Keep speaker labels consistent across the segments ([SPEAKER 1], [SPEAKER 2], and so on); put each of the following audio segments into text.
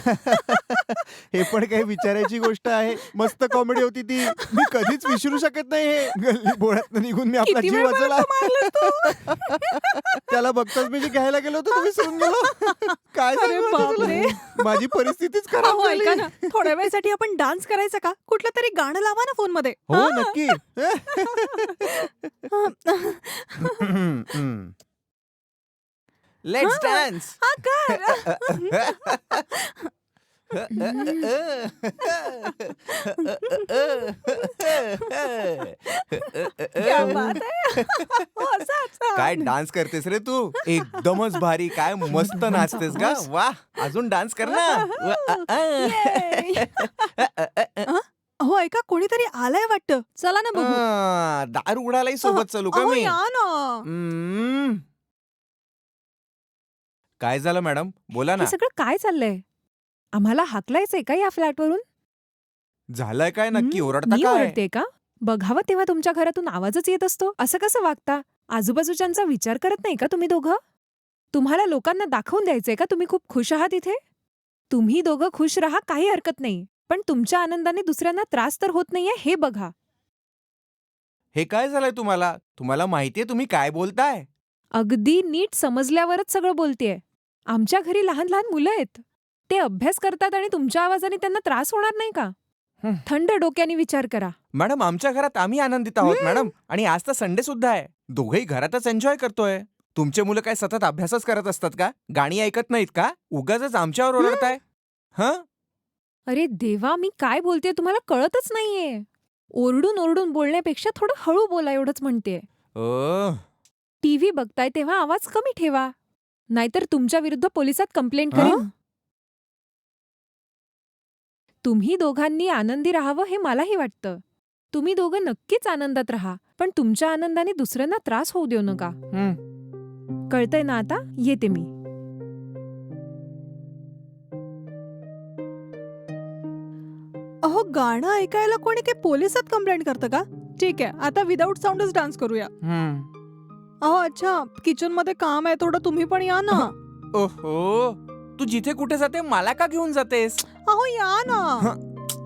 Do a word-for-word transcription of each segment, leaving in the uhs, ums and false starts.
[SPEAKER 1] हे पण काही विचारायची गोष्ट आहे. मस्त कॉमेडी होती ती. मी कधीच विसरू शकत नाही हे. गल्ली बोळातनं निघून मी आपला
[SPEAKER 2] किती
[SPEAKER 1] जीव
[SPEAKER 2] वेळ
[SPEAKER 1] वाचवला.
[SPEAKER 2] मला मारलंस तू?
[SPEAKER 1] त्याला बघताच मी जे घ्यायला गेलो होतो ते विसरून गेलो. काय
[SPEAKER 2] अरे
[SPEAKER 1] सांगू आता
[SPEAKER 2] बापरे.
[SPEAKER 1] तुला? माझी परिस्थितीच खराब
[SPEAKER 2] अहो
[SPEAKER 1] झाली.
[SPEAKER 2] ऐका ना, थोड्या वेळसाठी आपण डान्स करायचा का? कुठलं तरी गाणं लावा ना फोनमध्ये.
[SPEAKER 1] हो
[SPEAKER 2] हा?
[SPEAKER 1] नक्की.
[SPEAKER 3] लेट्स
[SPEAKER 2] हा.
[SPEAKER 3] डान्स.
[SPEAKER 2] हा कर. क्या बात है. हो, असंच.
[SPEAKER 3] काय डान्स करतेस रे तू? एकदमच भारी. काय मस्त नाचतेस का? वा, अजून डान्स कर ना.
[SPEAKER 2] Yay. हं? हो ऐका, कोणीतरी आलंय वाटतं. चला ना बघू.
[SPEAKER 3] आ, दार उघडायलाही सोबत चालू का
[SPEAKER 2] अहो
[SPEAKER 3] मी?
[SPEAKER 2] या ना.
[SPEAKER 3] हम्म. काय झालं मॅडम? बोला ना.
[SPEAKER 4] हे सगळं काय चाललंय? आम्हाला हाकलायचंय का या फ्लॅटवरून?
[SPEAKER 3] झालंय काय नक्की?
[SPEAKER 4] हं,
[SPEAKER 3] ओरडता
[SPEAKER 4] मी
[SPEAKER 3] काय?
[SPEAKER 4] ओरडते का? बघावं तेव्हा तुमच्या घरातून आवाजच येत असतो. असं कसं वागता? आजूबाजूच्यांचा विचार करत नाही का तुम्ही दोघं? तुम्हाला लोकांना दाखवून द्यायचंय का तुम्ही खूप खुश आहात इथे? तुम्ही दोघं खुश राहा, काही हरकत नाही. पण तुमच्या आनंदाने दुसऱ्यांना त्रास तर होत नाहीये हे बघा.
[SPEAKER 3] हे काय झालंय तुम्हाला? तुम्हाला माहितीये तुम्ही काय बोलताय?
[SPEAKER 4] अगदी नीट समजल्यावरच सगळं बोलतेय. आमच्या घरी लहान लहान मुलं आहेत. ते अभ्यास करतात आणि तुमच्या आवाजाने त्यांना त्रास होणार नाही का?
[SPEAKER 3] हं.
[SPEAKER 4] थंड डोक्याने विचार करा.
[SPEAKER 3] मॅडम आमच्या घरात आम्ही आनंदित आहोत मॅडम. आणि आज तर संडे सुद्धा आहे. दोघेही घरातच एन्जॉय करतोय. तुमचे मुलं काय सतत अभ्यासच करत असतात का? गाणी ऐकत नाहीत का? उगाचच आमच्यावर ओरडताय? हं?
[SPEAKER 4] अरे देवा, मी काय बोलतेय तुम्हाला कळतच नाहीये. ओरडून ओरडून बोलण्यापेक्षा थोडं हळू बोला एवढंच म्हणतेय.
[SPEAKER 3] ओह.
[SPEAKER 4] टीव्ही बघताय तेव्हा आवाज कमी ठेवा. नाहीतर तुमच्या विरुद्ध पोलिसात कंप्लेंट
[SPEAKER 3] हं?
[SPEAKER 4] करेन. तुम्ही दोघांनी आनंदी राहावं हे मलाही वाटतं. तुम्ही दोघं नक्कीच आनंदात राहा, पण तुमच्या आनंदाने दुसऱ्यांना त्रास होऊ देऊ नका.
[SPEAKER 3] हं.
[SPEAKER 4] कळतंय ना आता? येते मी.
[SPEAKER 2] अहो गाणं ऐकायला कोणी काही पोलिसात कंप्लेंट करतं का? ठीक आहे, आता विदाऊट साऊंडच डान्स करूया.
[SPEAKER 3] हं.
[SPEAKER 2] अहो अच्छा, किचन मध्ये काम आहे थोडं, तुम्ही पण या ना.
[SPEAKER 3] ओहो, तू जिथे कुठे जाते मला का घेऊन जातेस?
[SPEAKER 2] अहो या ना.
[SPEAKER 3] हं.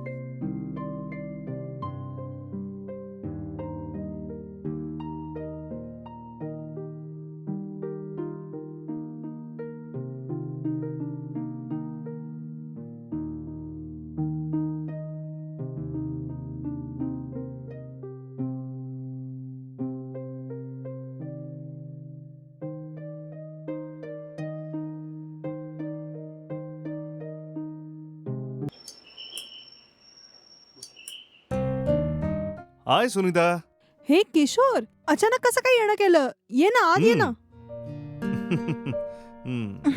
[SPEAKER 5] हाय सुनीता.
[SPEAKER 2] हे किशोर, अचानक कसं काय येणं केलं? ये ना आत ये ना.
[SPEAKER 5] हम्म.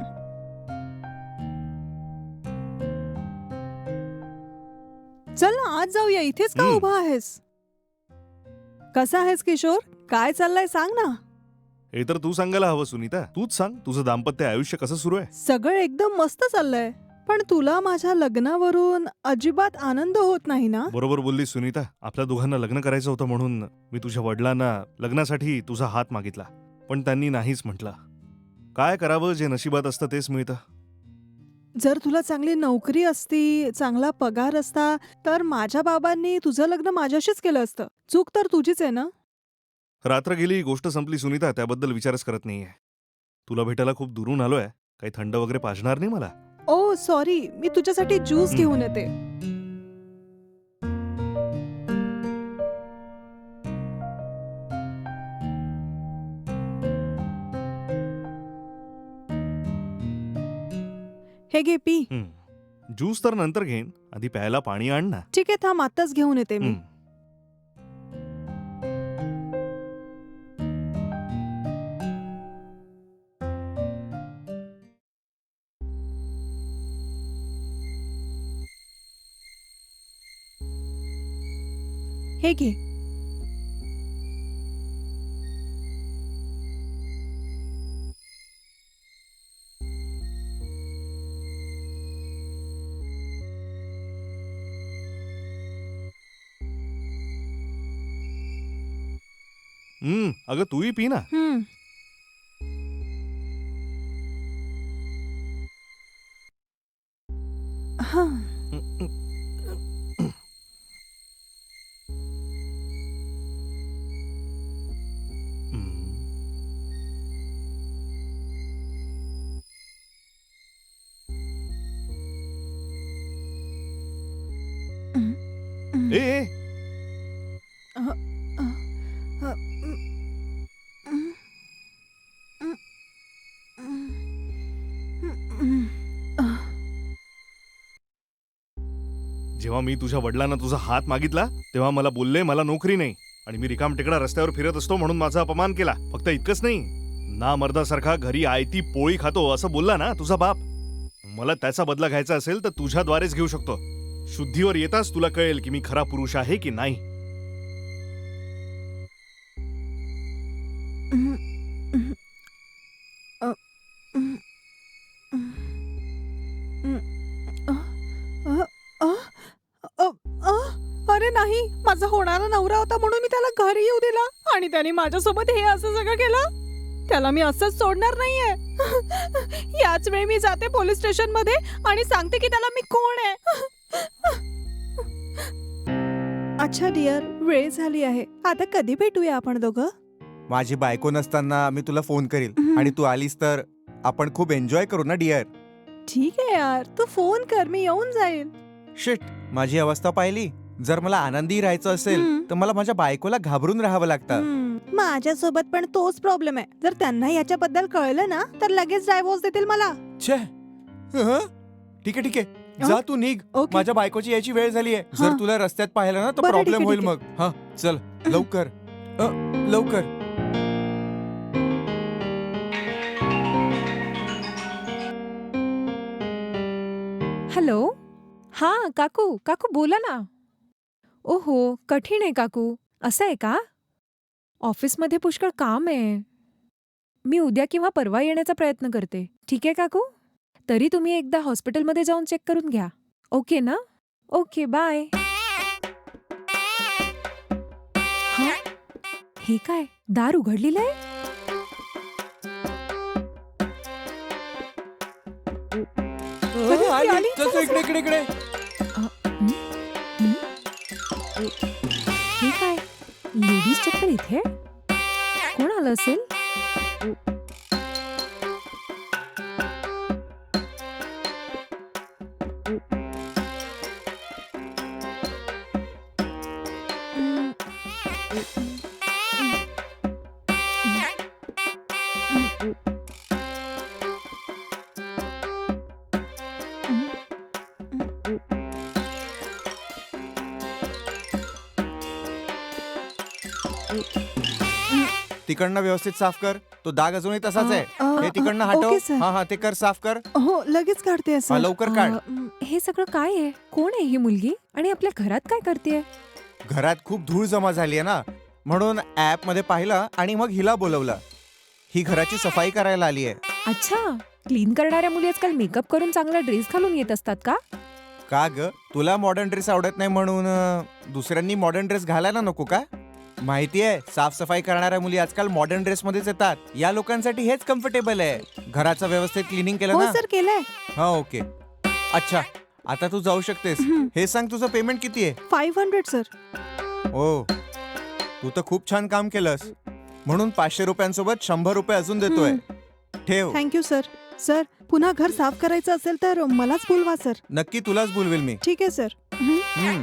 [SPEAKER 2] चल ना आत जाऊया, इथेच का
[SPEAKER 5] हम्म.
[SPEAKER 2] उभा आहेस? कसा आहेस किशोर? काय चाललंय सांग ना.
[SPEAKER 5] हे तर तू सांगायला हवं सुनीता. तूच सांग तुझं दाम्पत्य आयुष्य कसं सुरू आहे?
[SPEAKER 2] सगळं एकदम मस्त चाललंय. पण तुला माझ्या लग्नावरून अजिबात आनंद होत नाही ना?
[SPEAKER 5] बरोबर बोलली सुनीता. आपल्या दोघांना लग्न करायचं होतं म्हणून मी तुझ्या वडिलांना लग्नासाठी तुझा हात मागितला, पण त्यांनी नाहीच म्हटलं. काय करावं, जे नशिबात असतं तेच मिळतं.
[SPEAKER 2] जर तुला चांगली नोकरी असती, चांगला पगार असता, तर माझ्या बाबांनी तुझं लग्न माझ्याशीच केलं असतं. चूक तर तुझीच आहे ना?
[SPEAKER 5] रात्र गेली, गोष्ट संपली सुनीता, त्याबद्दल विचारच करत नाहीये. तुला भेटायला खूप दुरून आलोय. काही थंड वगैरे पाजणार नाही मला?
[SPEAKER 2] ओ सॉरी, मी तुझ्यासाठी ज्यूस
[SPEAKER 5] हं.
[SPEAKER 2] घेऊन येते. हे घे पी.
[SPEAKER 5] हं. ज्यूस तर नंतर घेईन, आधी प्यायला पाणी आण ना.
[SPEAKER 2] ठीक आहे, थांब आत्ताच घेऊन येते मी.
[SPEAKER 5] हं.
[SPEAKER 2] हे घे.
[SPEAKER 5] हं, अगं तूही पी ना.
[SPEAKER 2] हं. हा.
[SPEAKER 5] ए ए, जेव्हा मी तुझ्या वडिलांना तुझा हात मागितला तेव्हा मला बोलले मला नोकरी नाही आणि मी रिकाम टेकडा रस्त्यावर फिरत असतो म्हणून माझा अपमान केला. फक्त इतकंच नाही, ना मर्दासारखा घरी आयती पोळी खातो असं बोलला ना तुझा बाप. मला त्याचा बदला घ्यायचा असेल तर तुझ्याद्वारेच घेऊ शकतो. शुद्धीवर येताच तुला कळेल की मी खरा पुरुष आहे की नाही.
[SPEAKER 2] अरे नाही, माझा होणारा नवरा होता म्हणून मी त्याला घरी येऊ दिला आणि त्याने माझ्यासोबत हे असं सगळं केलं. त्याला मी असंच सोडणार नाहीये. याच वेळी मी जाते पोलीस स्टेशन मध्ये आणि सांगते की त्याला मी कोण आहे. अच्छा डिअर, वेळ झाली आहे. आता कधी भेटूया आपण दोघं?
[SPEAKER 3] माझी बायको नसताना मी तुला फोन करील
[SPEAKER 2] हम्म.
[SPEAKER 3] आणि तू आलीस तर आपण खूप एन्जॉय करू ना डिअर.
[SPEAKER 2] ठीक आहे यार, तू फोन कर, मी येऊन जाईल.
[SPEAKER 3] शिट, माझी अवस्था पाहिली. जर मला आनंदी राहायचं असेल
[SPEAKER 2] हम्म.
[SPEAKER 3] तर मला माझ्या बायकोला घाबरून राहावं लागतं.
[SPEAKER 2] हम्म, माझ्यासोबत पण तोच प्रॉब्लेम आहे. जर त्यांना याच्याबद्दल कळलं ना तर लगेच डायव्होर्स देतील मला.
[SPEAKER 3] छे हं? ठीक आहे ठीक आहे, जा तू निघ.
[SPEAKER 2] ओके.
[SPEAKER 3] माझ्या बायकोची यायची वेळ झाली आहे. जर
[SPEAKER 2] हा.
[SPEAKER 3] तुला रस्त्यात पाहिलं ना तर
[SPEAKER 2] बरं, ठीक
[SPEAKER 3] प्रॉब्लेम
[SPEAKER 2] आहे,
[SPEAKER 3] होईल
[SPEAKER 2] ठीक
[SPEAKER 3] मग. हा चल लवकर अ, लवकर.
[SPEAKER 4] हॅलो. हा काकू, काकू बोला ना. ओहो, कठीण आहे काकू. असं आहे का? ऑफिसमध्ये पुष्कळ काम आहे. मी उद्या किंवा परवा येण्याचा प्रयत्न करते. ठीक आहे काकू? तरी तुम्ही एकदा हॉस्पिटलमध्ये जाऊन चेक करून घ्या. ओके ना? Okay bye. हा? हे काय, दार उघडलेलं आहे?
[SPEAKER 3] अ, आली.
[SPEAKER 4] आली.
[SPEAKER 3] चल, चल, इकडे इकडे इकडे.
[SPEAKER 4] हे काय, लेडीज चप्पल इथे? कोण आलं असेल?
[SPEAKER 3] तिकडनं व्यवस्थित साफ कर. तो डाग अजूनही तसाच आहे.
[SPEAKER 2] अ, अ,
[SPEAKER 3] हे तिकडनं
[SPEAKER 2] अ,
[SPEAKER 3] हटव.
[SPEAKER 2] Okay, sir.
[SPEAKER 3] हा हा ते कर, साफ कर.
[SPEAKER 2] हो, लगेच काढते
[SPEAKER 3] हा,
[SPEAKER 2] सर.
[SPEAKER 3] लवकर काढ.
[SPEAKER 4] अं, हे सगळं काय आहे? कोण आहे ही मुलगी आणि आपल्या घरात काय करते?
[SPEAKER 3] घरात खूप धूळ जमा झाली आहे ना, म्हणून ऍप मध्ये पाहिलं आणि मग हिला बोलवलं. ही घराची सफाई करायला आली आहे.
[SPEAKER 4] अच्छा, क्लीन करणाऱ्या मुली आजकाल मेकअप करून चांगला ड्रेस घालून येत असतात का?
[SPEAKER 3] का ग, तुला मॉडर्न ड्रेस आवडत नाही म्हणून अं, दुसऱ्यांनी मॉडर्न ड्रेस घालायला नको का? माहितीये, साफसफाई करणाऱ्या मुली आजकाल मॉडर्न ड्रेस मध्येच येतात. या लोकांसाठी हेच कम्फर्टेबल आहे. घराचं व्यवस्थित क्लिनिंग केलं
[SPEAKER 2] हो
[SPEAKER 3] ना?
[SPEAKER 2] सर, केलंय.
[SPEAKER 3] हा ओके. अच्छा, आता तू जाऊ शकतेस.
[SPEAKER 2] हम्म.
[SPEAKER 3] हे सांग, तुझं पेमेंट किती आहे?
[SPEAKER 2] Five hundred sir.
[SPEAKER 3] ओ, तू तर खूप छान काम केलंस. म्हणून पाचशे रुपयांसोबत शंभर रुपये अजून देतोय. ठेव.
[SPEAKER 2] Thank you sir. सर, पुन्हा घर साफ करायचं असेल तर मलाच बोलवा सर.
[SPEAKER 3] नक्की तुलाच बोलवेल मी.
[SPEAKER 2] ठीक आहे सर. हं.
[SPEAKER 3] हम्म.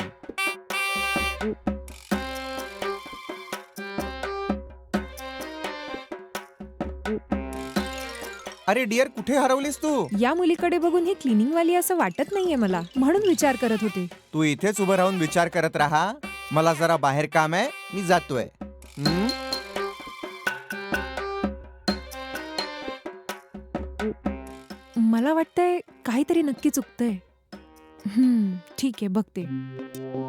[SPEAKER 3] अरे डिअर, कुठे हरवलीस तू?
[SPEAKER 4] या मुलीकडे बघून ही क्लिनिंग वाली असं वाटत नाहीये मला, म्हणून विचार करत होते.
[SPEAKER 3] तू इथेच उभं राहून विचार करत राहा. मला जरा बाहेर काम आहे, मी जातोय. हम्म?
[SPEAKER 4] मला वाटतंय काहीतरी नक्की चुकतंय. हम्म, ठीक आहे, बघते.